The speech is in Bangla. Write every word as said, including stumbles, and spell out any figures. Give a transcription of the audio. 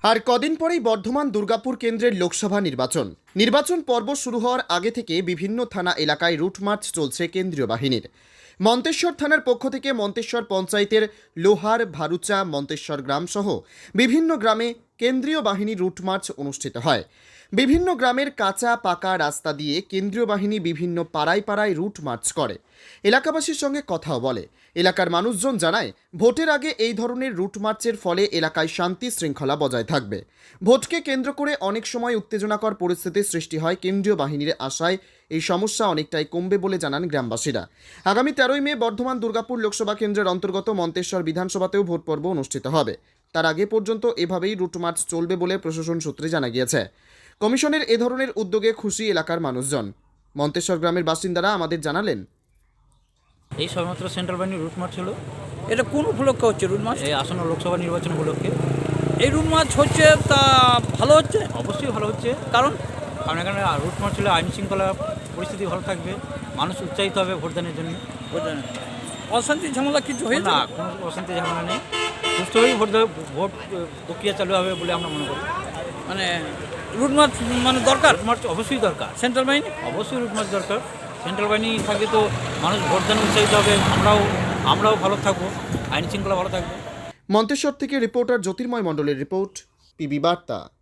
আর কদিন পরেই বর্ধমান দুর্গাপুর কেন্দ্রের লোকসভা নির্বাচন নির্বাচন পর্ব শুরু হওয়ার আগে থেকে বিভিন্ন থানা এলাকায় রুট মার্চ চলছে কেন্দ্রীয় বাহিনীর। মন্তেশ্বর থানার পক্ষ থেকে মন্তেশ্বর পঞ্চায়েতের লোহার ভারুচা মন্তেশ্বর গ্রাম সহ বিভিন্ন গ্রামে কেন্দ্রীয় বাহিনী রুট মার্চ অনুষ্ঠিত হয়। বিভিন্ন গ্রামের কাঁচা পাকা রাস্তা দিয়ে কেন্দ্রীয় বাহিনী বিভিন্ন পাড়ায় পাড়ায় রুট মার্চ করে, এলাকাবাসীর সঙ্গে কথাও বলে। এলাকার মানুষজন জানায়, ভোটের আগে এই ধরনের রুট মার্চের ফলে এলাকায় শান্তি শৃঙ্খলা বজায় থাকবে। ভোটকে কেন্দ্র করে অনেক সময় উত্তেজনাকর পরিস্থিতির সৃষ্টি হয়। কেন্দ্রীয় বাহিনীর আশায় এই সমস্যা অনেকটাই কমবে বলে জানান গ্রামবাসীরা। আগামী তেরোই মে বর্ধমান দুর্গাপুর লোকসভা কেন্দ্রের অন্তর্গত মন্তেশ্বর বিধানসভাতেও ভোট পর্ব অনুষ্ঠিত হবে। তার আগে পর্যন্ত এভাবেই রুট মার্চ চলবে বলে প্রশাসন সূত্রে জানা গিয়েছে। কমিশনের এ ধরনের উদ্যোগে খুশি এলাকার মানুষজন। মন্তেশ্বর গ্রামের বাসিন্দারা আমাদের জানালেন, এই সবেমাত্র সেন্ট্রাল বাহিনীর রুট মার্চ হলো। এটা কোন উপলক্ষে হচ্ছে রুট মার্চ? এই আসন্ন লোকসভা নির্বাচন উপলক্ষে এই রুট মার্চ হচ্ছে, তা ভালো হচ্ছে? অবশ্যই ভালো হচ্ছে, কারণ কারণ এখানে রুট মার্চ হলে আইন শৃঙ্খলা পরিস্থিতি ভালো থাকবে, মানুষ উৎসাহিত হবে ভোটদানের জন্য। বুঝলেন, অশান্তি ঝামেলা কিছু হয়েছে না, কোনো অশান্তি ঝামেলা নেই, সুস্থভাবেই ভোট দেবে, ভোট প্রক্রিয়া চালু হবে বলে আমরা মনে করি। মানে রুট মার্চ মানে দরকার, রুট মার্চ অবশ্যই দরকার, সেন্ট্রাল বাহিনী অবশ্যই রুট মার্চ দরকার। সেন্ট্রাল বাহিনী থাকলে তো মানুষ ভোটদানে উৎসাহিত হবে, আমরাও আমরাও ভালো থাকবো, আইন শৃঙ্খলা ভালো থাকবে। মন্তেশ্বর থেকে রিপোর্টার জ্যোতির্ময় মণ্ডলের রিপোর্ট, পিবি বার্তা।